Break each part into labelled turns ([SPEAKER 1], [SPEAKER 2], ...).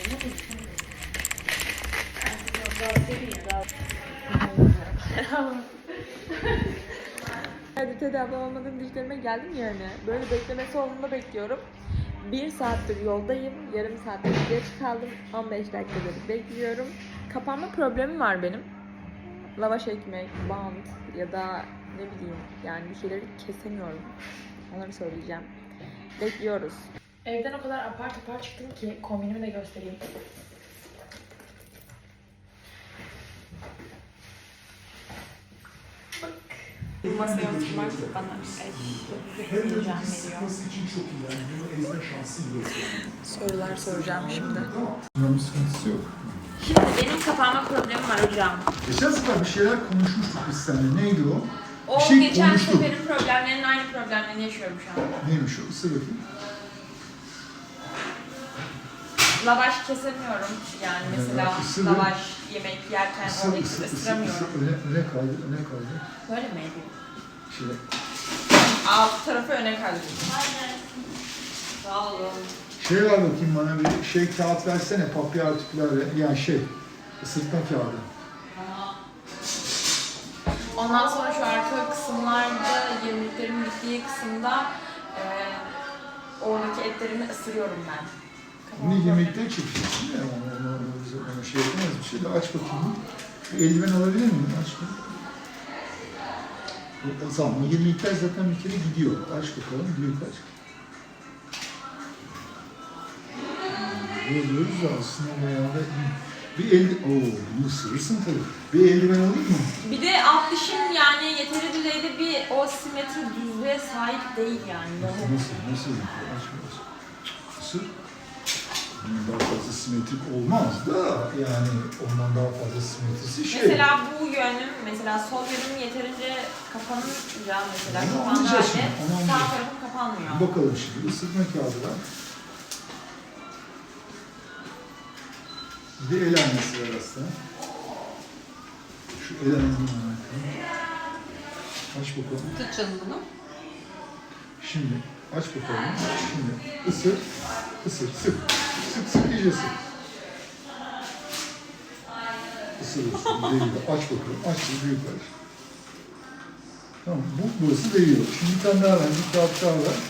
[SPEAKER 1] Hadi tedavi olmadığım dişlerime geldim yani. Böyle bekleme salonunda bekliyorum. 1 saattir yoldayım. Yarım saattir geç kaldım. 15 dakikadır bekliyorum. Kapanma problemim var benim. Lavaş ekmek, bant ya da ne bileyim yani bir şeyleri kesemiyorum. Onları söyleyeceğim. Bekliyoruz. Evden o kadar apar topar çıktım ki kombinimi de göstereyim. Bak. Bu masaya oturmak bana heyecan veriyor. Sorular soracağım şimdi.
[SPEAKER 2] Bunun sıkıntısı yok.
[SPEAKER 1] Şimdi benim kapanma problemim var hocam.
[SPEAKER 2] Geçen sefer bir şeyler konuşmuştuk biz seninle. Neydi o?
[SPEAKER 1] O
[SPEAKER 2] Bir şey
[SPEAKER 1] geçen
[SPEAKER 2] konuştuk.
[SPEAKER 1] seferin problemlerinin aynı problemlerini yaşıyorum şu an.
[SPEAKER 2] Neymiş o? Sebep?
[SPEAKER 1] Lavaş kesemiyorum yani mesela lavaş yemek yerken oradaki ısıramıyorum.
[SPEAKER 2] Öne kaydı, öne kaydı.
[SPEAKER 1] Böyle mi edeyim?
[SPEAKER 2] Şöyle.
[SPEAKER 1] Alt tarafı öne kaydırıyorum. Aynen. Sağ olun.
[SPEAKER 2] Şey ver bakayım bana bir şey kağıt versene, papya artiküler yani ısırtma kağıdı.
[SPEAKER 1] Ondan sonra şu arka kısımlarda, yemeklerin bittiği kısımda oradaki etlerimi ısırıyorum ben.
[SPEAKER 2] Bunu yemekten çekeceksin ya, onu şey yapamaz bir şey de aç bakayım. Bir eldiven alabilir miyim? Aç bakayım. O zaman yemekler zaten bir kere gidiyor. Aç bakalım, büyük aç. Diyoruz da aslında bayağı da bir bunu ısırırsın tabii. Bir eldiven alayım mı?
[SPEAKER 1] Bir de alt dişim yani yeteri düzeyde bir o simetri düzlüğe sahip değil yani.
[SPEAKER 2] Nasıl? Aç. Isır. Daha fazla simetrik olmaz da yani ondan daha fazla simetrisi şey.
[SPEAKER 1] Mesela bu yönüm, mesela sol yönüm yeterince kapanınca mesela kapandığı halde sağ tarafım kapanmıyor.
[SPEAKER 2] Bakalım şimdi ısırtma kağıdı var. Bir de el aynası var aslında. Şu el aynasını var. Aç bakalım.
[SPEAKER 1] Tut canım bunu.
[SPEAKER 2] Şimdi aç bakalım. Şimdi ısır, sık. Sık, iyice sık. Isırıyorsun, değiyor. Aç bakalım, aç büyük aç. Tamam, burası değiyor. Şimdi bir tane daha ver, bir kağıt daha ver.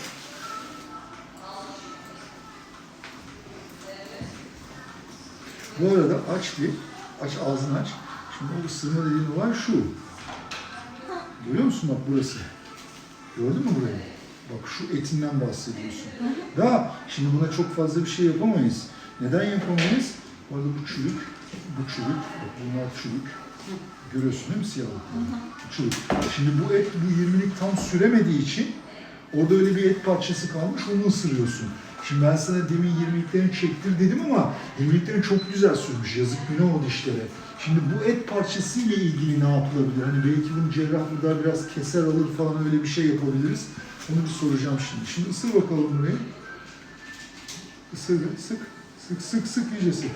[SPEAKER 2] Bu arada aç ağzını aç. Şimdi o ısırma dediğin olan şu. Görüyor musun bak burası? Gördün mü burayı? Bak şu etinden bahsediyorsun. Daha şimdi buna çok fazla bir şey yapamayız. Neden yapamayız? Bu arada bu çürük. Bak bunlar çürük. Görüyorsun değil mi siyahlıkları? Çürük. Şimdi bu et bu 20'lik tam süremediği için orada öyle bir et parçası kalmış, onu ısırıyorsun. Şimdi ben sana demin 20'liklerini çektir dedim ama 20'liklerini çok güzel sürmüş. Yazık günah o dişlere. Şimdi bu et parçası ile ilgili ne yapılabilir? Hani belki bunu cerrah burada biraz keser alır falan öyle bir şey yapabiliriz. Onu bir soracağım şimdi. Şimdi ısır bakalım burayı. Isır, sık, iyice sık.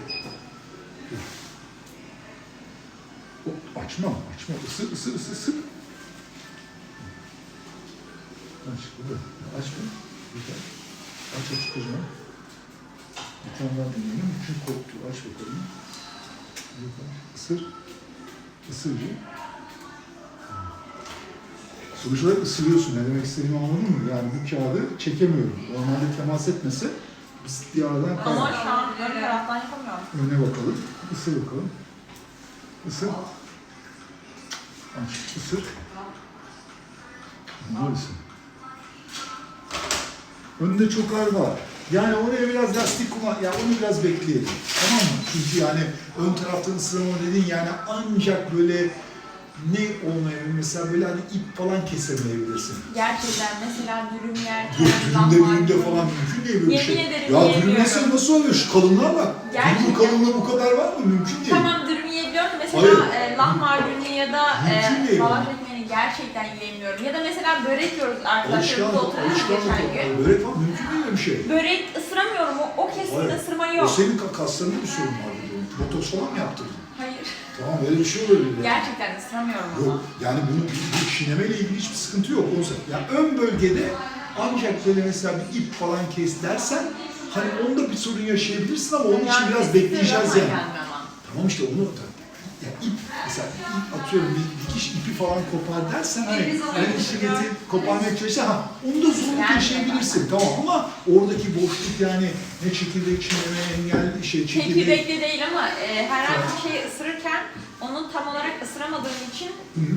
[SPEAKER 2] Açma. Isır, sık. Aç mı? Güzel. Aç kocaman. Bir tane daha deneyelim. Çünkü korktu. Aç bakalım. Isır bir. Sonuç olarak ısırıyorsun. Ne demek istediğimi anladın mı? Yani bu kağıdı çekemiyorum. Normalde temas etmese bir aradan kayar.
[SPEAKER 1] Ama şu an ön taraftan yapamıyorum.
[SPEAKER 2] Öne bakalım. Isır bakalım. Isır. Aç. Isır. Böylesin. Önünde çok ağır var. Yani oraya biraz lastik kullan, yani onu biraz bekleyelim. Tamam mı? Çünkü yani ön taraftan ısırma dediğin yani ancak böyle ne olmayabilir? Mesela böyle hani ip falan kesemeyebilirsin.
[SPEAKER 1] Gerçekten mesela dürüm yerken,
[SPEAKER 2] Dürümde falan mümkün değil böyle bir şey.
[SPEAKER 1] Yemin ederim
[SPEAKER 2] ya dürüm nasıl oluyor? Şu kalınlığa bak. Dürüm kalınlığı bu kadar var mı? Mümkün değil.
[SPEAKER 1] Tamam dürüm yiyebiliyorum. Mesela lahmacunu ya da lavaş ekmeğini gerçekten yiyemiyorum. Ya da mesela börek yiyoruz arkadaşlarımızla oturuyoruz geçen gün.
[SPEAKER 2] Börek falan mümkün değil bir şey.
[SPEAKER 1] Börek ısıramıyorum. O kesin ısırma yok.
[SPEAKER 2] O senin kaslarında bir sorun var. Botoks falan mı yaptırdın?
[SPEAKER 1] Hayır.
[SPEAKER 2] Tamam öyle bir şey olabilir.
[SPEAKER 1] Gerçekten ısıramıyorum ama.
[SPEAKER 2] Yok yani bu çiğnemeyle ilgili hiçbir sıkıntı yok. Yani ön bölgede ancak böyle mesela bir ip falan kes dersen Hani onda bir sorun yaşayabilirsin ama onun için
[SPEAKER 1] Yani
[SPEAKER 2] biraz bekleyeceğiz
[SPEAKER 1] ama
[SPEAKER 2] yani.
[SPEAKER 1] gelmiyor ama.
[SPEAKER 2] Tamam işte onu ya ip, mesela ip atıyorum bir dikiş ipi falan kopar dersen hani yani şiddeti koparmaya çalışırsan onu da zorluk yaşayabilirsin tamam ama oradaki boşluk yani ne çekirdek çiğneme engel çekirdek.
[SPEAKER 1] Çekirdekli değil ama herhangi bir şeyi ısırırken onu tam olarak ısıramadığım için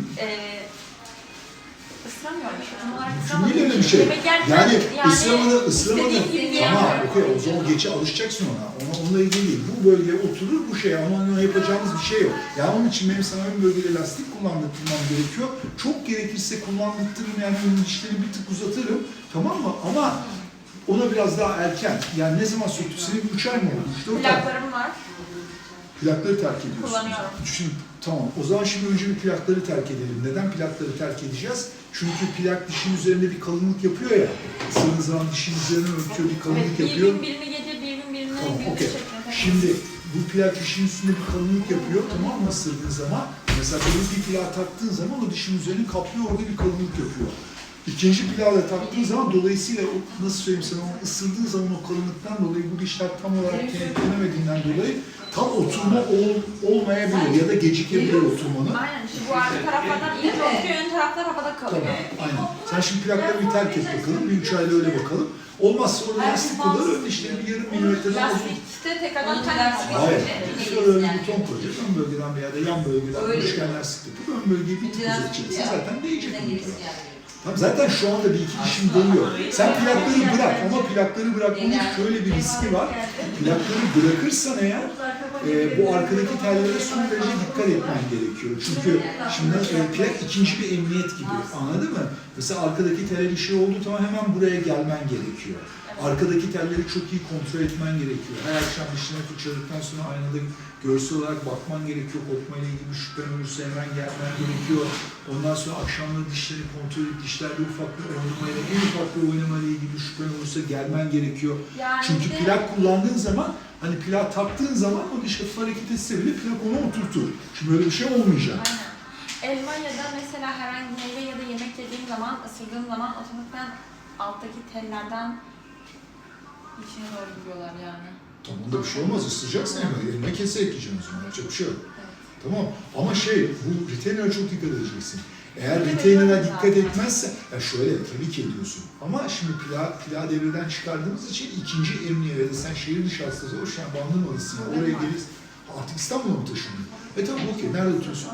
[SPEAKER 1] ısıramıyorum işte tam olarak ısıramadığım
[SPEAKER 2] Değil öyle bir
[SPEAKER 1] için
[SPEAKER 2] şey.
[SPEAKER 1] yemek yerken
[SPEAKER 2] Yani ısıramadı.
[SPEAKER 1] istediğim gibi
[SPEAKER 2] Tamam,
[SPEAKER 1] yiyemiyorum.
[SPEAKER 2] okey o zaman geçe alışacaksın ona. Onunla ilgili değil. Bu bölgeye oturur bu şey ama onunla yapacağımız bir şey yok. Yani onun için benim sana ön bölgede lastik kullandırmam gerekiyor. Çok gerekirse kullandırırım yani ön dişleri bir tık uzatırım. Tamam mı? Ama ona biraz daha erken. Yani ne zaman söktük? Senin 3 ay mı oldu? 3-4 ay.
[SPEAKER 1] Plaklarım var.
[SPEAKER 2] Plakları terk ediyorsun.
[SPEAKER 1] Kullanıyorum.
[SPEAKER 2] Şimdi, tamam. O zaman şimdi önce bir plakları terk edelim. Neden plakları terk edeceğiz? Çünkü plak dişin üzerinde bir kalınlık yapıyor ya. Isırdığın zaman dişin üzerine örtüyor, bir kalınlık
[SPEAKER 1] Evet,
[SPEAKER 2] yapıyor.
[SPEAKER 1] bir gün birini gece, bir gün birini
[SPEAKER 2] Tamam,
[SPEAKER 1] gündüz
[SPEAKER 2] okey.
[SPEAKER 1] şeklinde.
[SPEAKER 2] Şimdi bu plak dişin üstünde bir kalınlık yapıyor, tamam mı ısırdığın zaman? Mesela böyle bir plak taktığın zaman o dişin üzerini kaplıyor, orada bir kalınlık yapıyor. İkinci plağı da taktığın zaman dolayısıyla nasıl söyleyeyim sana, onu ısırdığın zaman o kalınlıktan dolayı bu dişler tam olarak kenetlenemediğinden dolayı tam oturma olmayabilir ya da gecikebilir oturmanı.
[SPEAKER 1] Aynen işte bu arka taraflardan iyice oturuyor, ön taraflar havada kalıyor.
[SPEAKER 2] Tamam, aynen. Sen şimdi plakları bir terk et bakalım, bir 3 ayda öyle bakalım. Olmazsa orada lastik kullanır, ön dişleri bir yarım milimetreden uzun.
[SPEAKER 1] Lastikte tekrardan lastik.
[SPEAKER 2] Hayır, şöyle bir buton koyacağız, ön bölgeden veya da yan bölgeden üçgen lastik yapıp ön bölgeyi bir tık uzatacaksın, zaten değecek bu taraf. Tamam, zaten şu anda bir iki dişim değiyor. Sen plakları bırak ama plakları bırakmanın şöyle bir riski var. Plakları bırakırsan eğer bu arkadaki tellere son derece dikkat etmen gerekiyor. Çünkü şimdi plak ikinci bir emniyet gibi, anladın mı? Mesela arkadaki tele bir şey olduğu zaman hemen buraya gelmen gerekiyor. Arkadaki telleri çok iyi kontrol etmen gerekiyor. Her akşam dişine fırçaladıktan sonra aynada görsel olarak bakman gerekiyor. Kopmayla ilgili bir şüphen olursa hemen gelmen gerekiyor. Ondan sonra akşamları dişleri kontrol edip dişlerde ufak bir oynamayla, en ufak bir oynamayla ilgili bir şüphen olursa gelmen gerekiyor.
[SPEAKER 1] Yani
[SPEAKER 2] Çünkü
[SPEAKER 1] de-
[SPEAKER 2] plak kullandığın zaman, hani plak taktığın zaman o diş hafif hareket etse bile plak onu oturtur. Şimdi böyle bir şey olmayacak.
[SPEAKER 1] Aynen. Elma ya da mesela herhangi bir meyve ya da yemek yediğim zaman, ısırdığım zaman otomatikman alttaki tellerden içine doğru giriyorlar yani.
[SPEAKER 2] Tamam, bunda bir şey olmaz. Isıracaksın eline kese ekleyeceksin o zaman. Yapacak bir şey yok. Tamam. Ama bu retainer'a çok dikkat edeceksin. Eğer retainer'a dikkat etmezse, ya şöyle tabii ki ediyorsun. Ama şimdi plağı devreden çıkardığımız için ikinci emniyete sen şehir dışı hastası o şu an bandırmalısın. Yani oraya geliriz. Artık İstanbul'a mı taşındın? Tamam okey. Nerede oturuyorsun?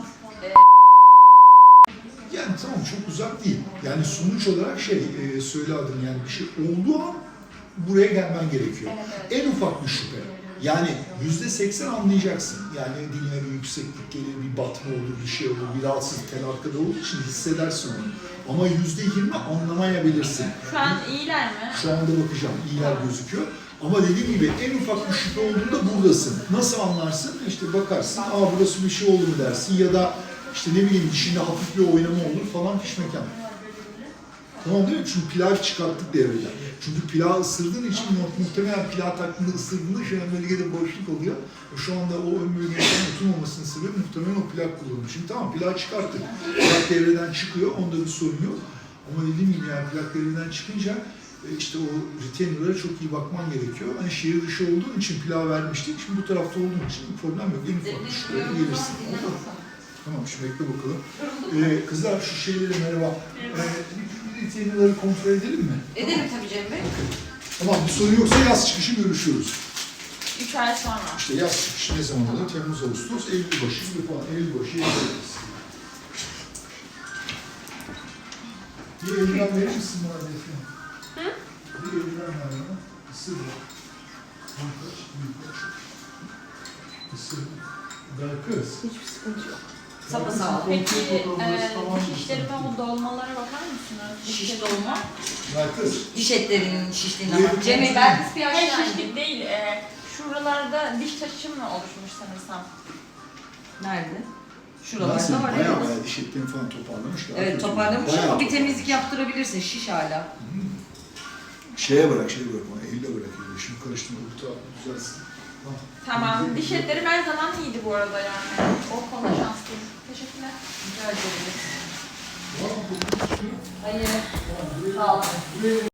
[SPEAKER 2] Yani tamam çok uzak değil. Yani sonuç olarak söyle adını yani bir şey olduğu an buraya gelmen gerekiyor.
[SPEAKER 1] Evet.
[SPEAKER 2] En ufak bir şüphe. Yani %80 anlayacaksın. Yani diline bir yükseklik gelir, bir batma olur, bir şey olur, bir rahatsız tel arkada olduğu için hissedersin onu. Ama %20 anlamayabilirsin.
[SPEAKER 1] Şu an iyiler mi?
[SPEAKER 2] Şu anda bakacağım, iyiler gözüküyor. Ama dediğim gibi en ufak bir şüphe olduğunda buradasın. Nasıl anlarsın? İşte bakarsın, burası bir şey oldu mu dersin ya da işte ne bileyim dişinde hafif bir oynama olur falan fişmekan. Tamam değil mi? Çünkü plağı çıkarttık devreden. Çünkü plağı ısırdığın için muhtemelen plağı taktığında ısırdığında şu an bölgede boşluk oluyor. Şu anda o ön bölgenin oturmamasının sebebi muhtemelen o plak kullanılıyor. Şimdi tamam plağı çıkarttık. Plak devreden çıkıyor, onda bir sorun yok. Ama dediğim gibi yani plak devreden çıkınca işte o retainer'lara çok iyi bakman gerekiyor. Hani şehir dışı olduğun için plağı vermiştik. Şimdi bu tarafta olduğun için problem yok. En ufak bir şuraya gelirsin. Tamam şimdi bekle bakalım. Kızlar şu şeyleri merhaba. Retainer'ları kontrol edelim mi?
[SPEAKER 3] Edelim tabii Cem Bey.
[SPEAKER 2] Tamam bir sorun yoksa yaz çıkışı görüşüyoruz.
[SPEAKER 1] 3 ay sonra.
[SPEAKER 2] İşte yaz çıkışı ne zaman oluyor? Temmuz, Ağustos, Eylül başı gibi falan. Eylül başı yapıyoruz. Bir eldiven verir misin bana Defne?
[SPEAKER 1] Hı?
[SPEAKER 2] Bir eldiven ver bana. Isır bak. Büyük aç. Isır. Ver kız.
[SPEAKER 1] Hiçbir sıkıntı yok.
[SPEAKER 3] Sapasağlam.
[SPEAKER 1] Peki
[SPEAKER 2] Tamam.
[SPEAKER 1] diş işlerime o dolmalara bakar mısınız?
[SPEAKER 3] Şiş dolma.
[SPEAKER 2] Ver kız.
[SPEAKER 3] Diş etlerinin şiştiğine
[SPEAKER 2] Buyurun.
[SPEAKER 3] bak. Cem Bey belki bir
[SPEAKER 1] Hayır
[SPEAKER 3] aşağı
[SPEAKER 1] şişlik değil. Şuralarda diş taşım mı oluşmuş sanırsam?
[SPEAKER 3] Nerede?
[SPEAKER 2] Nasıl?
[SPEAKER 3] Şuralarda var
[SPEAKER 2] Bayağı
[SPEAKER 3] evet.
[SPEAKER 2] bayağı diş etlerini falan toparlamışlar.
[SPEAKER 3] Evet toparlamış
[SPEAKER 2] Bayağı
[SPEAKER 3] ama bir temizlik yaptırabilirsin. Şiş hala.
[SPEAKER 2] Şeye bırak, bana elle bırak. Şimdi karıştırma, bu tarafı düzelsin.
[SPEAKER 1] Tamam. Diş etlerim her zaman iyiydi bu arada yani. O konuda şanslıyım. Teşekkürler.
[SPEAKER 3] Rica ederim.
[SPEAKER 2] Var mı?
[SPEAKER 3] Hayır. Sağ olun.